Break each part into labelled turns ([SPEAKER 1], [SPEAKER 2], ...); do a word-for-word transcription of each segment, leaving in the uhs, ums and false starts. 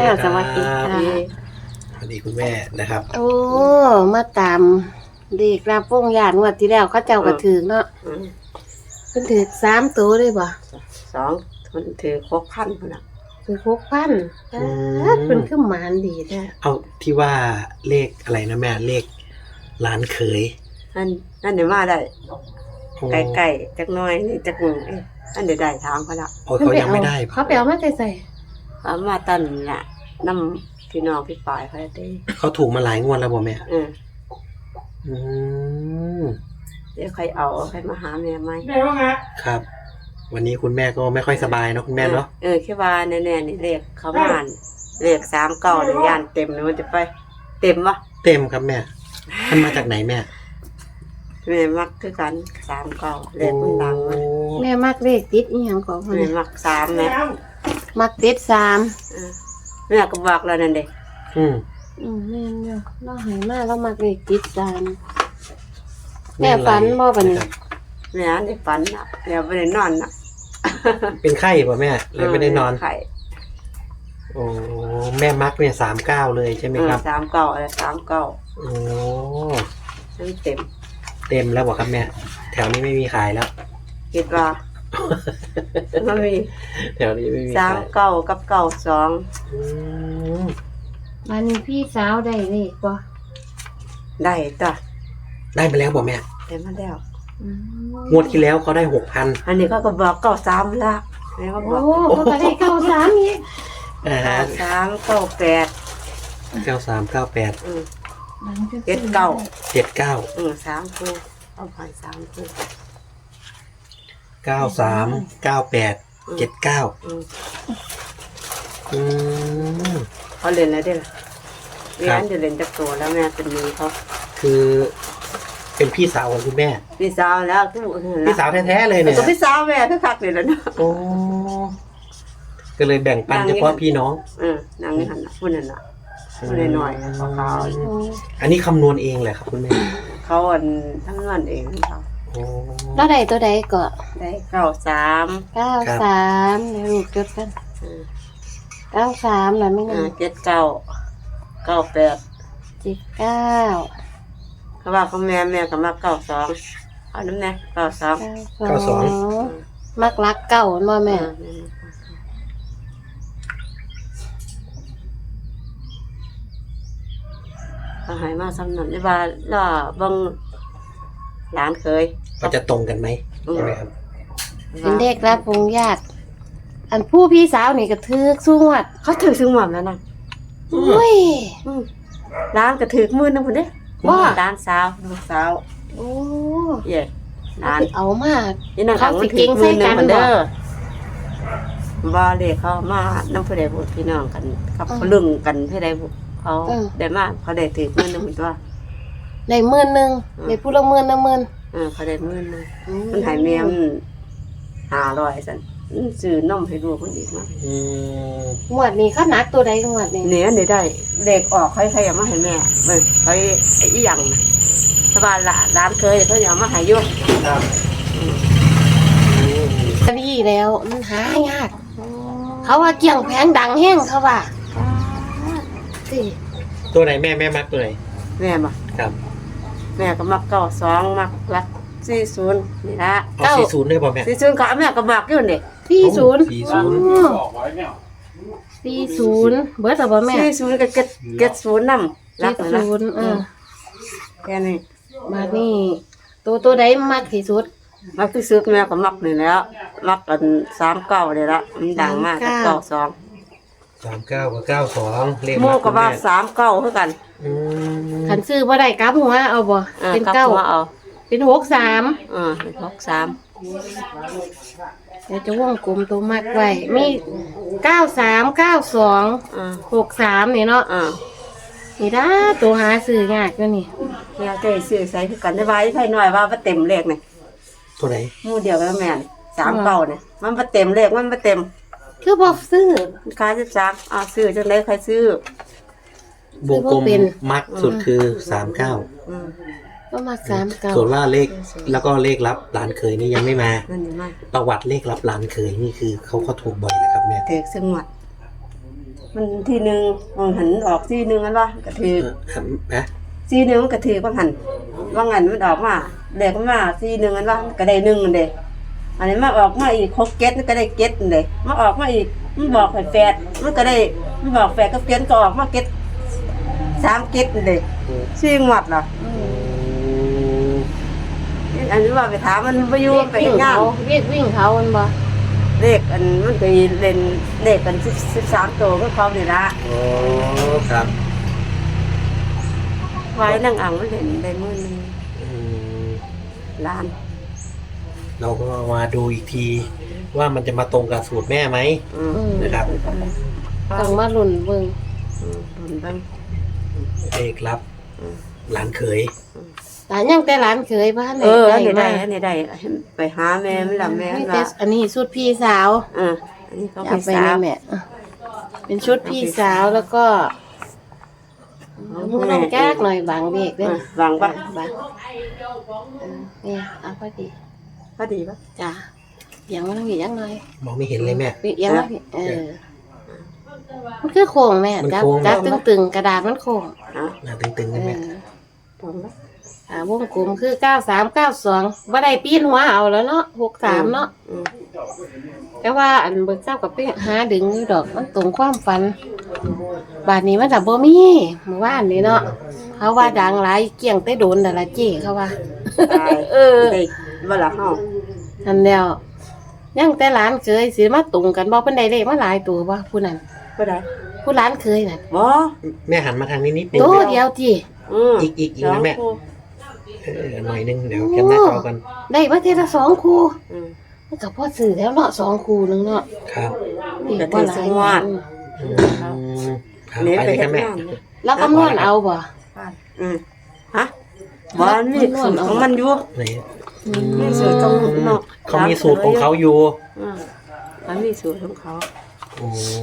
[SPEAKER 1] สวัสดีค่ะ
[SPEAKER 2] สวัสดีคุณแม่นะครับ
[SPEAKER 1] โอ้มาตามเด็กรับวงญาติงวดที่แล้วเขาเจ้าก็ถือเนาะเพิ่นถือสามตัวเลยบ่
[SPEAKER 3] สองคนถือหกพันพุ่นน่ะ
[SPEAKER 1] ถือหกพันเพิ่นคือหมานดีแท้
[SPEAKER 2] เอาที่ว่าเลขอะไรนะแม่เลขหลานเขย
[SPEAKER 3] นั่นนั่นเดี๋ยวมาได้ไก่ๆจักหน่อยนี่จักหนึ่งเอ้อันเดี๋ยวได้ทางเขาละ
[SPEAKER 2] โอ้เขายังไม่ได้
[SPEAKER 1] เขาไปเอามาใส่ใส่
[SPEAKER 3] เขามาตันน่ะน้ำพี่น้องพี่ปายเขาได้
[SPEAKER 2] เขาถูกมาหลายงวดแล้วบ่แม่
[SPEAKER 3] เออ
[SPEAKER 2] อืม
[SPEAKER 3] เดี๋ยวใครเอาใครมาหาแม่ไหม
[SPEAKER 2] ได้บ้างฮะครับวันนี้คุณแม่ก็ไม่ค่อยสบายเนาะคุณแม่เนาะ
[SPEAKER 3] เออแค่ว่าแน่ๆนี่เลขเขาบ้านเลขสามเก้านี่ย่านเต็มเลยมันจะไปเต็มวะ
[SPEAKER 2] เต็มครับแม่มันมาจากไหนแม่
[SPEAKER 3] แม่มักคือกันสามเก้าเลขมันดังมั้ย
[SPEAKER 1] แม่มักเลขติดอีหยังของ
[SPEAKER 3] แม่มักสามแม่
[SPEAKER 1] มักติดสาม
[SPEAKER 3] แม่ก็บอกแล้วนั่นเด้
[SPEAKER 2] อืม
[SPEAKER 1] อืมแม่เนาะเราให้มาเรามักเลขติดสามแม่ฝันบ่บัดนี้
[SPEAKER 3] แม่ได้ฝันน่ะแม่บ่ได้นอนน่ะ
[SPEAKER 2] เป็นไข้ป่ะแม่เลยไม่ได้นอน
[SPEAKER 3] ไข้
[SPEAKER 2] โอ้แม่มักเนี่ยสามเก้าเลยใช่ไหมครับ
[SPEAKER 3] สามเก้าอะไรสามเก้า
[SPEAKER 2] โอ้
[SPEAKER 3] เต็ม
[SPEAKER 2] เต็มแล้วบอกครับแม่แถวนี้ไม่มีขายแล้ว
[SPEAKER 3] คิดว่าไม่มี
[SPEAKER 2] แถวนี้ไม่มี
[SPEAKER 3] สามเก้ากับเก้าสอง
[SPEAKER 1] วันนี้พี่สาวได้เลขบ่
[SPEAKER 3] ได้จ้ะ
[SPEAKER 2] ได้มาแล้วบอกแม่
[SPEAKER 3] ได้มาแล้ว
[SPEAKER 2] งวดที่แล้วเขาได้หกพัน
[SPEAKER 3] อันนี้เขาก็บอกเก้าสามละแม่ก็บอก
[SPEAKER 1] โอ้เขาก็ได้เก้าสามอีก
[SPEAKER 3] เก้าสามเก้าแปด
[SPEAKER 2] เก้าสามเก้าแปด
[SPEAKER 3] เจ็ดเก้า
[SPEAKER 2] เจ็ดเก้า
[SPEAKER 3] อืมสามคู่เอาผ่านสามคู่
[SPEAKER 2] เก้าสามเก้าแปดเจ็ดเก้าอืม
[SPEAKER 3] เขาเล่นอะไรได้ล่ะเรียนจะเล่นจากตัวแล้วแม่เป็นมือเขา
[SPEAKER 2] คือเป็นพี่สาวของคุณแม่
[SPEAKER 3] พี่สาวแล้ว
[SPEAKER 2] พี่สาวแท้ๆเลยเนี่ย
[SPEAKER 3] ก็พี่สาวแม่คือคักเลยแล้วเนาะ
[SPEAKER 2] โอ้ก็เลยแบ่งปันเฉพาะพี่น้อง
[SPEAKER 3] เออนางนี่หันน่ะพูดนั่นน่ะพูดหน่อยๆเขาเขา
[SPEAKER 2] อันนี้คำนวณเองแหละครับคุณแม่
[SPEAKER 3] เขาอันทั้งเงินเองเขา
[SPEAKER 1] แล้วใดตัวใดก็
[SPEAKER 3] ได้เก้าสาม
[SPEAKER 1] เก้าสามเดี๋ยวลูกจดกันเก้าสามแล้วไม่งั้น
[SPEAKER 3] เจ็ดเก้าเก้าแปด
[SPEAKER 1] เจ็ดเก้า
[SPEAKER 3] เขาว่าเขาแม่แม่ก็มาเก้าสองเอาน้ำแน่เก้าสอง
[SPEAKER 2] เก้าสอง
[SPEAKER 1] มักรักเก้าบ่แม่
[SPEAKER 3] เอาหายมาซ้ำนั่นได้ว่าล่ะบังหลานเคย
[SPEAKER 2] ก็จะตรงกันไหมใช่ไหมครับ
[SPEAKER 1] เป็นเด็กรับวงญาติอันผู้พี่สาวนี่ก็ถือสวด
[SPEAKER 3] เขาถือซึ่งหม่อมแล้วนั่น
[SPEAKER 1] อุ้ย
[SPEAKER 3] ร้านก็ถือมือนึงพุ่นเด้ว่าร้านสาวลูกสาว
[SPEAKER 1] โอ้
[SPEAKER 3] เย่ร้าน
[SPEAKER 1] เอามา
[SPEAKER 3] นี่นางเขาสิเก่งใส่กันเด้อบ่เด้เขามาน้ำผู้ใดผู้พี่น้องกันกับลึงกันผู้ใดผู้เขาได้มาเขาได้ถือมือนึงพุ่นตัว
[SPEAKER 1] ได้หมื่นนึงได้ผู้ละหมื่นละหมื่น
[SPEAKER 3] เออเขาได้หมื่นนึงมันให้แม่มันห้าร้อยซั่นซื้อนมให้ลูกคนอีกมา
[SPEAKER 2] อืม
[SPEAKER 1] งวดนี้เขาหนักตัวใดงวดนี้
[SPEAKER 3] เนี่ยได้ได้เด็กออกใครๆเอามาให้แม่เบิ่งใครไอ้อีหยังน่ะถ้าว่าร้านเคยเขาเอามาให้อยู่ครับ
[SPEAKER 1] ดีแล้วมันหายากเขาว่าเกี่ยงแพงดังแห้งเขาว่าสิ
[SPEAKER 2] ตัวไหนแม่แม่มักตัวไหน
[SPEAKER 3] แม่บ่
[SPEAKER 2] ครับ
[SPEAKER 3] แม่ก็มักเก้าสองมักรักสี่สิบนี่ละ
[SPEAKER 2] เก้าสี่สิบได้บ่แม่
[SPEAKER 3] สี่สิบก็แม่ก็มักอยู่นี่
[SPEAKER 1] สี่สิบ
[SPEAKER 2] สี่สิบ
[SPEAKER 1] สี่สิบเบิดแล้วบ่แม่
[SPEAKER 3] สี่สิบก็เก็ดเก็ดศูนย์นำ
[SPEAKER 1] รักนะเออ
[SPEAKER 3] แค่นี้
[SPEAKER 1] มานี่ตัวตัวใดมักที่สุด
[SPEAKER 3] มักที่สุดแม่ก็มักนี่แล้วมักกันสามเก้าเลยละมันดังมากเก้าสอง
[SPEAKER 2] สามเก้ากับเก้าสองเลข
[SPEAKER 3] โม่ก็ว่าสามเก้าคือกัน
[SPEAKER 1] คันซื้อบ่ได้กลับหัวเอาบ่เป็นเก้า
[SPEAKER 3] เอา
[SPEAKER 1] เป็นหกสาม
[SPEAKER 3] อ่าเป็นหกสาม
[SPEAKER 1] เดี๋ยวจะวงกลมตัวมักไว้มีเก้าสามเก้าสองหกสามนี่เนาะนี่ด้าตัวหาซื้อยากแล้วนี่
[SPEAKER 3] เนี่ยใจซื้อใส่คือกันได้ไว้ไผหน่อยว่าบ่เต็มเลขนี่
[SPEAKER 2] ตัวไหน
[SPEAKER 3] หมู่เดียวกับแม่นสามเก้านี่มันบ่เต็มเลขมันบ่เต็ม
[SPEAKER 1] คือบ่ซื้อ
[SPEAKER 3] ขายสิบสามอ่าซื้อจังได๋ใครซื้อ
[SPEAKER 2] วงกลมมักสุดคือสามเก้า
[SPEAKER 3] อืม
[SPEAKER 1] ก็มาสามเก้า
[SPEAKER 2] ส่วนว่าเลขแล้วก็เลขลับหลานเคยนี่ยังไม่มา
[SPEAKER 3] นั่นนี่มา
[SPEAKER 2] ประวัติเลขลับหลานเคยนี่คือเขาเขาถูกบ่อยนะครับแม่
[SPEAKER 3] เด็กซึ่งหมดมันทีหนึงมันหันออกทีหนึงอันว่ากระถือ
[SPEAKER 2] เออนะ
[SPEAKER 3] ทีหนึงมันกระถือว่าหันว่างันมันออกมาเด็กมันมาทีหนึงอันว่าก็ได้หนึ่งอันเด้อันนี้มาออกมาอีกหกเก็ดมันก็ได้เก็ดอันเด้มาออกมาอีกมันบอกให้แปดมันก็ได้มันบอกแปดก็เก็ดก็ออกมาเก็ดสามเก็ดอันเด้ชื่อหมดเหรอ
[SPEAKER 2] อืม
[SPEAKER 3] อันนี้ว่าไปถามมันไปอยู่
[SPEAKER 1] เรียก
[SPEAKER 3] ไป
[SPEAKER 1] วิ่ง
[SPEAKER 3] งาน
[SPEAKER 1] เขาเรียกวิ่งเขามันบ่
[SPEAKER 3] เลขอันมันเคยเล่นเลขกันสิบสามตัวก็เขาเนี่ยละ
[SPEAKER 2] โอ้ครับ
[SPEAKER 3] ไว้นั่งอ่างมันเล่นได้มื้อหนึง
[SPEAKER 2] อืม
[SPEAKER 3] ล้าน
[SPEAKER 2] เราก็มาดูอีกที ว่ามันจะมาตรงกับสูตรแม่ไหม
[SPEAKER 3] อืม
[SPEAKER 1] อืม
[SPEAKER 2] นะครับ
[SPEAKER 1] ต้องมาลุ้นเบิ่ง
[SPEAKER 3] อืมบุญบ้าง
[SPEAKER 2] เลขรับหลานเขย
[SPEAKER 1] หลานยังแต่หลานเคยบ้านไหน
[SPEAKER 3] เอออันนี้ได้
[SPEAKER 1] มา
[SPEAKER 3] อันนี้ได้ไปหาแม่ไม่ละแม่
[SPEAKER 1] นี่
[SPEAKER 3] ละ
[SPEAKER 1] แต่อันนี้ชุดพี่สาว
[SPEAKER 3] เอออันนี้เขา
[SPEAKER 1] จะ
[SPEAKER 3] ไป
[SPEAKER 1] เอาไป
[SPEAKER 3] สา
[SPEAKER 1] ใน
[SPEAKER 3] ว
[SPEAKER 1] แม่อ่ะเป็นชุดพี่สาวแล้วก็มือน้องแก้กหน่อยบางเด็ก
[SPEAKER 3] เอ
[SPEAKER 1] เด้อ
[SPEAKER 3] อวางปะ
[SPEAKER 1] บางเออเนี่ยเอาพอดี
[SPEAKER 3] พอดีปะ
[SPEAKER 1] จ้ะเอียังมาทางนี้ยังหน่อย
[SPEAKER 2] มองไม่เห็นเลยแม่
[SPEAKER 1] เอียังมาพี่เออมันคือโค้งแม่
[SPEAKER 2] มัน
[SPEAKER 1] จับ
[SPEAKER 2] โค้ง
[SPEAKER 1] จับตึงๆกระดาษมันโค้ง
[SPEAKER 3] อ่ะ
[SPEAKER 2] หน้าตึงๆ
[SPEAKER 1] เอ
[SPEAKER 2] เลยแม่
[SPEAKER 1] อ
[SPEAKER 3] ตรงปะ
[SPEAKER 1] อ่าวงกลมคือเก้าสามเก้าสองบ่ได้ปีนหัวเอาแล้วเนาะหกสามเนาะ
[SPEAKER 3] อืม
[SPEAKER 1] แต่ว่าอันเบิกเจ้ากับไปหาดึงอยู่ดอกมันตรงความฝัน บาดนี้มันจะบ่มีเมื่อวานนี้เนาะเขาว่าดังหลายเกี่ยงแต่โดนแต่ละเจ้เขาว่า
[SPEAKER 3] ตาย
[SPEAKER 1] เออ
[SPEAKER 3] ได้เวลาเฮา
[SPEAKER 1] นั่นแล้วยังแต่หลานเคยสิมาตรงกันบ่เพิ่นได้เลขมาหลายตัวบ่ผู้นั้น
[SPEAKER 3] บ่ได้
[SPEAKER 1] ผู้หลานเคยน่ะ
[SPEAKER 3] บ่
[SPEAKER 2] แม่หันมาทางนี้นิดนึง
[SPEAKER 1] ตัวเดียวที่
[SPEAKER 3] อืม
[SPEAKER 2] อีกอีกอีก
[SPEAKER 3] สง
[SPEAKER 2] นะแม่
[SPEAKER 3] คู่
[SPEAKER 2] เออหน่อยนึงเดี๋ยวแคปหน้าจอกัน
[SPEAKER 1] ได้มาเทอละสองคู่
[SPEAKER 3] อืม
[SPEAKER 1] มันก็พอซื้อแล้วเนาะสองคู่นึงเนาะ
[SPEAKER 2] ครับ
[SPEAKER 1] นี่
[SPEAKER 3] ก็
[SPEAKER 1] บ่
[SPEAKER 3] ถือ
[SPEAKER 1] หลาย
[SPEAKER 3] สงวน
[SPEAKER 2] อืมครับ
[SPEAKER 3] นี่
[SPEAKER 2] ไป
[SPEAKER 3] ไป
[SPEAKER 2] เลยค
[SPEAKER 3] เฮ็
[SPEAKER 2] รั
[SPEAKER 3] ด
[SPEAKER 2] บแม่
[SPEAKER 3] งานเนี่ย
[SPEAKER 1] แล้วคำนวณเอาบ่
[SPEAKER 3] อืมฮะบ่มันมีสูตรของมันอยู่
[SPEAKER 2] ไหน
[SPEAKER 1] อื
[SPEAKER 3] มีสูตรของนอก
[SPEAKER 2] เขามีสูตรของเขาอยู่
[SPEAKER 3] อืมมันมีสูตรของเขา
[SPEAKER 2] โอ้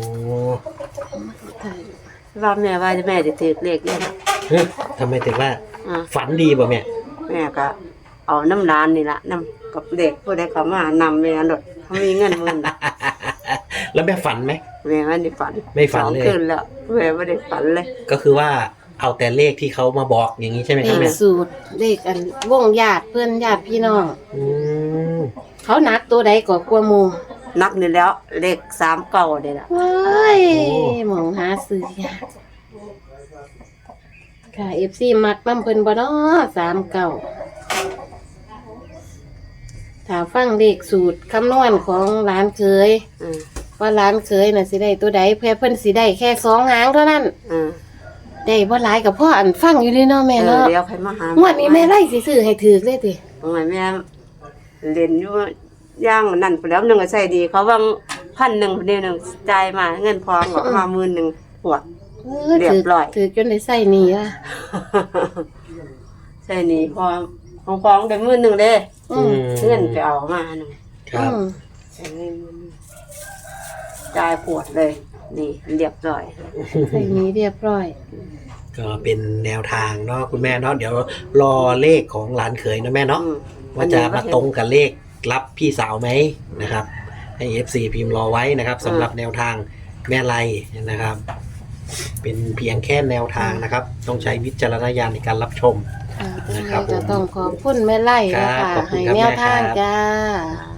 [SPEAKER 3] ว่าแม่ว่าจะแม่จะถือเลขเนี่ยนะ
[SPEAKER 2] เฮ้ยทำไมถึงว่า
[SPEAKER 3] อ่า
[SPEAKER 2] ฝันดีป่ะแม่
[SPEAKER 3] แม่ก็เอาน้ำร้านนี่ละน้ำกับเด็กผู้ใดเขามานำแม่หนดเขามีเงินหมื่น
[SPEAKER 2] แล้วแม่ฝันไหม
[SPEAKER 3] แม่ไม่ได้ฝัน
[SPEAKER 2] ไม่ฝันเลย
[SPEAKER 3] สองคืนแล้วแม่ไม่ได้ฝันเลย
[SPEAKER 2] ก็คือว่าเอาแต่เลขที่เขามาบอกอย่างนี้ใช่ไหม
[SPEAKER 1] เล
[SPEAKER 2] ครับ
[SPEAKER 1] ข
[SPEAKER 2] แม่
[SPEAKER 1] สูตรเลขอันวงญาติเพื่อนญาติพี่น้อง
[SPEAKER 2] อืม
[SPEAKER 1] เขานักตัวใดก็กลัวหมู
[SPEAKER 3] นักนี่แล้วเลขสามเก่าเด้ละ
[SPEAKER 1] ว้ายหมองหาซื้อยากค่ะเอฟซีมักน้ำเพิ่นบ่เนาะสามเก่าถ้าฟังเลขสูตรคำนวณของร้านเคย
[SPEAKER 3] อืม
[SPEAKER 1] ว่าร้านเคยน่ะสิได้ตัวใดเพื่อเพิ่นสิได้แค่สองหางเท่านั้น
[SPEAKER 3] อืม
[SPEAKER 1] ได้บ่หลายกับพ่ออันฟังอยู่นี่เนาะแม่
[SPEAKER 3] เออ
[SPEAKER 1] เนาะ
[SPEAKER 3] เดี๋ยวใครมาหาง
[SPEAKER 1] วดนี้แม่ไล่สิซื้อให้ถือเลยติ
[SPEAKER 3] ทำไมแม่เล่นอยู่ย่างนั่นไปแล้วหนึ่งก็ใส่ดี เขาว่างพันหนึ่งเดียวหนึ่งจ่ายมาเงินพองออกมาหมื่นหนึ่งปวด
[SPEAKER 1] เออ
[SPEAKER 3] เรีย
[SPEAKER 1] ถื
[SPEAKER 3] บร้อย
[SPEAKER 1] ถือจนได้ใส่หนี่ล่ะ
[SPEAKER 3] ใช่นี่พอของของได้หมื่นหนึ่งเด้
[SPEAKER 1] อืม
[SPEAKER 3] เงินไปเอามาหนึ่ง
[SPEAKER 2] ครับ
[SPEAKER 1] อืม
[SPEAKER 3] ใช้เงินหมื่นหนึ่งจ่ายปวดเลย นี่เรียบร้อย
[SPEAKER 1] ใส่หนี้เรียบร้อย
[SPEAKER 2] ก็เป็นแนวทางเนาะคุณแม่เนาะเดี๋ยวรอเลขของหลานเขยนะแม่เนาะ
[SPEAKER 3] อืม
[SPEAKER 2] ว่าจะมาตรงกับเลขรับพี่สาวไหมนะครับ ให้ เอฟ ซี พิมพ์รอไว้นะครับสำหรับแนวทางแม่ไลนะครับ เป็นเพียงแค่แนวทางนะครับ ต้องใช้วิจารณญาณในการรับชม
[SPEAKER 1] ค่ะ
[SPEAKER 2] นะครับผม
[SPEAKER 1] จะต้องขอบคุณแม่ไล่นะ
[SPEAKER 2] ครั
[SPEAKER 1] คะ
[SPEAKER 2] บขอบคุณ
[SPEAKER 1] ให้
[SPEAKER 2] ครับ
[SPEAKER 1] แนวทาง
[SPEAKER 2] แม่ครับ
[SPEAKER 1] จ้า
[SPEAKER 3] อ่า